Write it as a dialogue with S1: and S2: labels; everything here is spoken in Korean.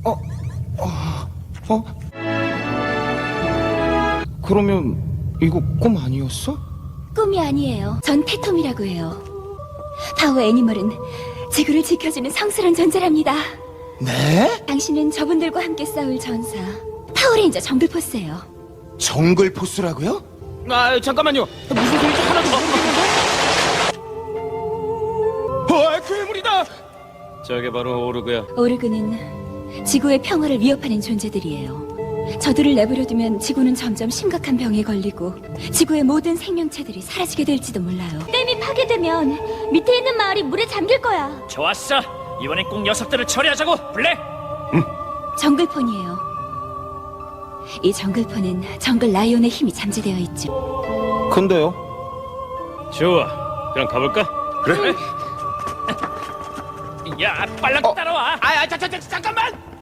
S1: 어? 그러면 이거 꿈 아니었어?
S2: 꿈이 아니에요. 전 태톰이라고 해요. 파워 애니멀은 지구를 지켜주는 성스러운 존재랍니다.
S1: 네?
S2: 당신은 저분들과 함께 싸울 전사 파워레인저 정글포스예요.
S1: 정글 포스라고요? 아 잠깐만요. 무슨 소리인지 하나도 모르겠는데. 괴물이다.
S3: 저게 바로 오르그야.
S2: 오르그는 지구의 평화를 위협하는 존재들이에요. 저들을 내버려두면 지구는 점점 심각한 병에 걸리고 지구의 모든 생명체들이 사라지게 될지도 몰라요. 댐이 파괴되면 밑에 있는 마을이 물에 잠길 거야.
S3: 좋았어. 이번엔 꼭 녀석들을 처리하자고. 블랙.
S2: 정글폰이에요. 이 정글폰은 정글 라이온의 힘이 잠재되어 있죠.
S1: 근데요?
S3: 좋아. 그럼 가볼까?
S1: 그래?
S3: 야, 빨랑 따라와.
S1: 잠깐만.